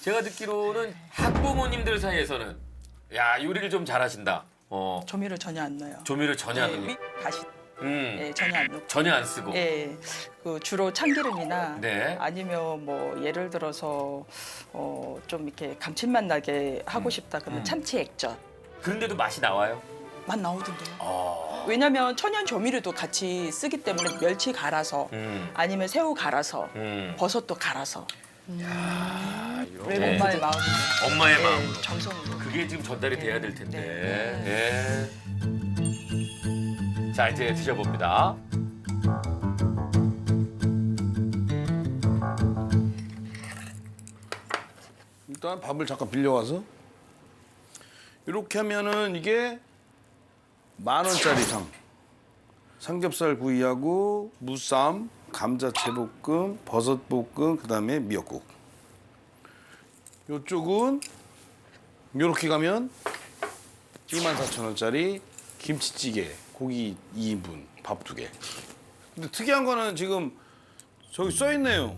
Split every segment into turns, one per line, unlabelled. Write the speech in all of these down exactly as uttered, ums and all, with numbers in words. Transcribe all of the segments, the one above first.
제가 듣기로는 학부모님들 사이에서는 야 요리를 좀 잘하신다. 어
조미료 전혀 안 넣어요.
조미료 전혀 안
예,
넣고.
미- 다시
음
예, 전혀 안 넣고.
전혀 안 쓰고.
예, 그 주로 참기름이나
네.
아니면 뭐 예를 들어서 어, 좀 이렇게 감칠맛 나게 하고
음.
싶다 그러면
음.
참치 액젓
그런데도 맛이 나와요.
맛 나오던데요.
어.
왜냐면 천연 조미료도 같이 쓰기 때문에 멸치 갈아서
음.
아니면 새우 갈아서
음.
버섯도 갈아서
아, 이거.
왜
네.
엄마의 마음으로
엄마의
예,
마음으로.
정성으로.
그게 지금 전달이 돼야 될 텐데.
네.
예. 자 이제 드셔봅니다.
일단 밥을 잠깐 빌려와서 이렇게 하면은 이게 만 원짜리 상. 삼겹살 구이하고 무쌈, 감자채볶음, 버섯볶음, 그다음에 미역국. 이쪽은 이렇게 가면 이만 사천 원짜리 김치찌개, 고기 이 인분, 밥 두 개. 근데 특이한 거는 지금 저기 써 있네요.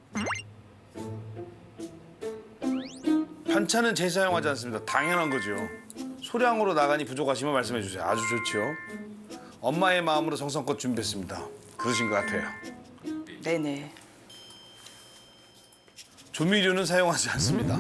반찬은 재사용하지 않습니다. 당연한 거죠. 소량으로 나가니 부족하시면 말씀해 주세요. 아주 좋죠. 엄마의 마음으로 정성껏 준비했습니다. 그러신 것 같아요.
네네.
조미료는 사용하지 않습니다.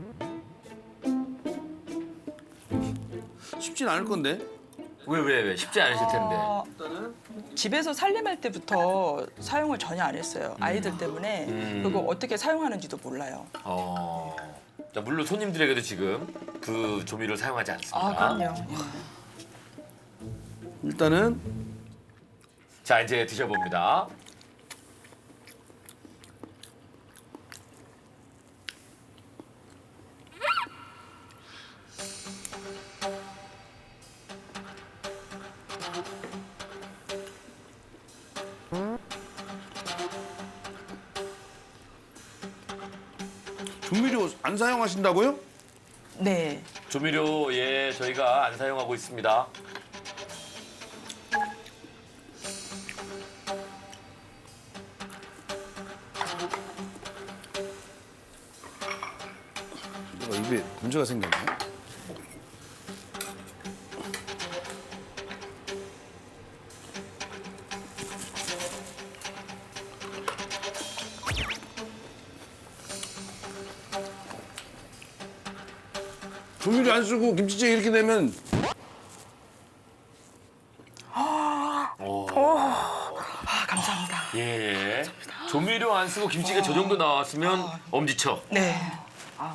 쉽진 않을 건데.
왜 왜 왜 쉽지 않으실 텐데.
어, 집에서 살림할 때부터 사용을 전혀 안 했어요. 아이들 때문에.
음.
그리고 어떻게 사용하는지도 몰라요.
어. 자 물론 손님들에게도 지금 그 조미료를 사용하지 않습니다.
아, 그럼요.
일단은
자 이제 드셔봅니다.
조미료 안 사용하신다고요?
네.
조미료 예 저희가 안 사용하고 있습니다.
내가 입에 문제가 생겼네. 조미료 안 쓰고 김치찌개 이렇게 되면
아, 감사합니다.
예. 조미료 안 쓰고 김치가 저 정도 나왔으면 엄지척.
네. 아,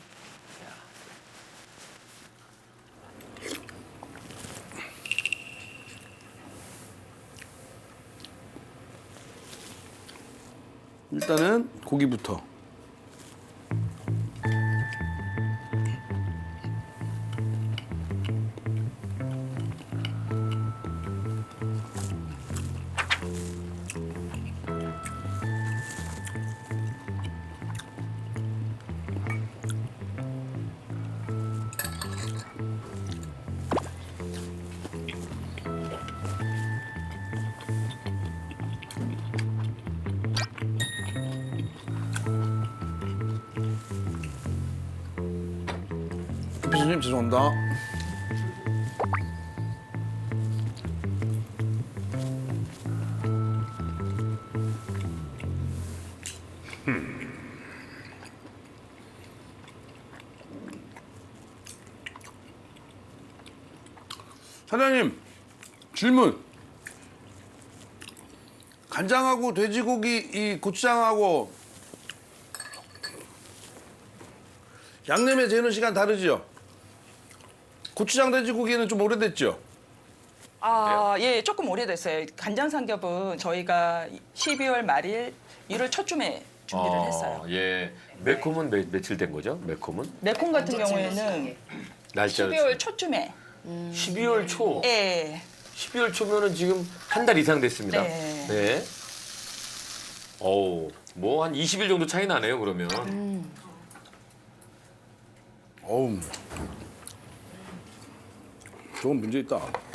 일단은 고기부터. 교수님 죄송합니다. 사장님 질문. 간장하고 돼지고기 이 고추장하고 양념에 재는 시간 다르죠? 고추장 돼지고기는 좀 오래됐죠?
아, 예, 조금 오래됐어요. 간장 삼겹은 저희가 십이월 말일, 일월 초쯤에 준비를
어,
했어요.
예. 매콤은 매, 며칠 된 거죠? 매콤은?
매콤 같은 경우에는
날짜.
십이월 초쯤에.
십이월 초.
예.
십이월 초면은 지금 한 달 이상 됐습니다.
네.
네. 어우, 뭐 한 이십 일 정도 차이 나네요, 그러면.
어우, 저건 문제 있다.